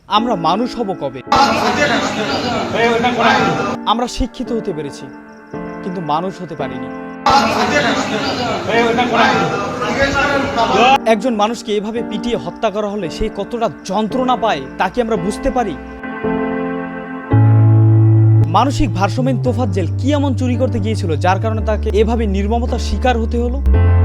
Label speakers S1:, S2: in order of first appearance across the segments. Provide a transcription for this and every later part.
S1: আমরা মানুষ হব কবে? আমরা শিক্ষিত হতে পেরেছি, কিন্তু মানুষ হতে পারিনি। একজন মানুষকে এভাবে পিটিয়ে হত্যা করা হলে সে কতটা যন্ত্রণা পায় তা কি আমরা বুঝতে পারি? মানসিক ভারসাম্যহীন তোফাজ্জেল কি এমন চুরি করতে গিয়েছিল যার কারণে তাকে এভাবে নির্মমতার শিকার হতে হলো?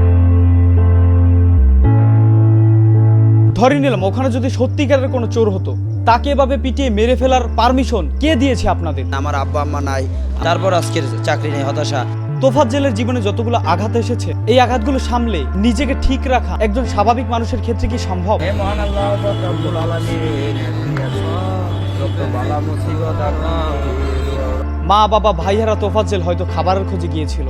S1: ধরে নিলাম ওখানে যদি সত্যিকারের কোনো চোর হতো, তাকে এভাবে পিটিয়ে মেরে ফেলার পারমিশন কে দিয়েছে আপনাদের?
S2: আমার আব্বা আম্মা নাই, তারপর আজকের চাকরি নেই, হতাশা।
S1: তোফাজ্জেলের জীবনে যতগুলো আঘাত এসেছে, এই আঘাতগুলো সামলে নিজেকে ঠিক রাখা একজন স্বাভাবিক মানুষের ক্ষেত্রে কি সম্ভব? মা বাবা ভাইয়ারা তোফাজ্জেল হয়তো খাবারের খোঁজে গিয়েছিল।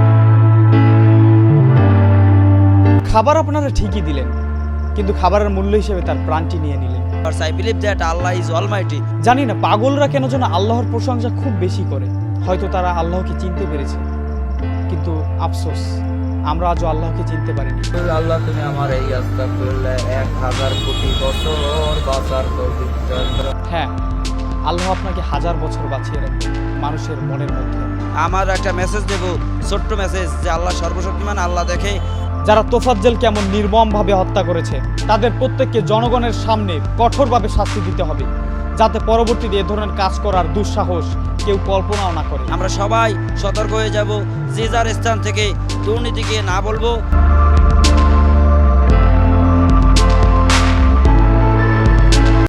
S1: খাবার আপনারা ঠিকই দিলেন, কিন্তু খাবারের মূল্য হিসেবে তার প্রাণটি নিয়ে নিলেন।
S2: I believe that Allah is almighty.
S1: জানি না পাগলরা কেন যেন আল্লাহর প্রশংসা খুব বেশি করে। হয়তো তারা আল্লাহকে চিনতে পেরেছে, কিন্তু আফসোস আমরা আজও আল্লাহকে চিনতে পারিনি।
S3: আল্লাহ তুমি আমার এই আস্তাগফিরুল্লাহ 1000 কোটি বছর বাঁচার তৌফিক দাও।
S1: হ্যাঁ, আল্লাহ আপনাকে 1000 বছর বাঁচিয়ে রাখবে মানুষের মনের মধ্যে।
S2: আমার একটা মেসেজ দেব, ছোট্ট মেসেজ, যে আল্লাহ সর্বশক্তিমান, আল্লাহ দেখে।
S1: যারা তোফাজ্জেলকে এমন নির্মমভাবে হত্যা করেছে তাদের প্রত্যেককে জনগণের সামনে কঠোরভাবে শাস্তি দিতে হবে, যাতে পরবর্তীতে এ ধরনের কাজ করার দুঃসাহস কেউ কল্পনাও না করে।
S2: আমরা সবাই সতর্ক হয়ে যাব, যে যার স্থান থেকে দুর্নীতিকে না বলবো।